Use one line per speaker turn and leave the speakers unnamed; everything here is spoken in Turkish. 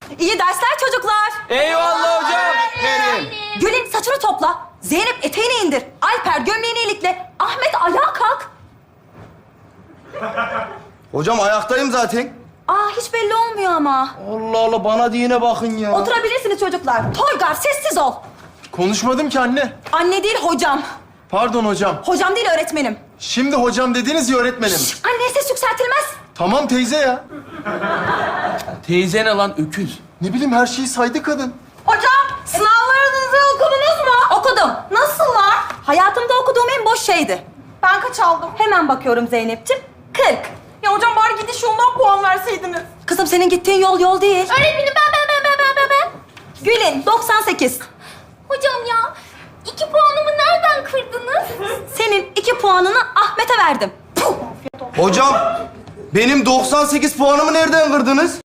İyi dersler çocuklar.
Eyvallah hocam.
Benim.
Gül'ün saçını topla. Zeynep eteğini indir. Alper gömleğini ilikle. Ahmet ayağa kalk.
Hocam ayaktayım zaten.
Aa hiç belli olmuyor ama.
Allah Allah bana diyene bakın ya.
Oturabilirsiniz çocuklar. Toygar sessiz ol.
Konuşmadım ki anne.
Anne değil hocam.
Pardon hocam.
Hocam değil öğretmenim.
Şimdi hocam dediniz ya öğretmenim.
Anneye ses yükseltilmez.
Tamam teyze ya.
Teyze ne lan öküz?
Ne bileyim her şeyi saydı kadın.
Hocam sınavlarınızı okudunuz mu? Okudum. Nasıllar? Hayatımda okuduğum en boş şeydi. Ben kaç aldım? Hemen bakıyorum Zeynep'ciğim. 40.
Ya hocam bari gidiş yolundan puan verseydiniz.
Kızım senin gittiğin yol yol değil.
Öğretmenim ben.
Gül'ün 98.
Hocam ya 2 puanımı nereden kırdınız?
Senin 2 puanını Ahmet'e verdim. Puh!
Hocam benim 98 puanımı nereden kırdınız?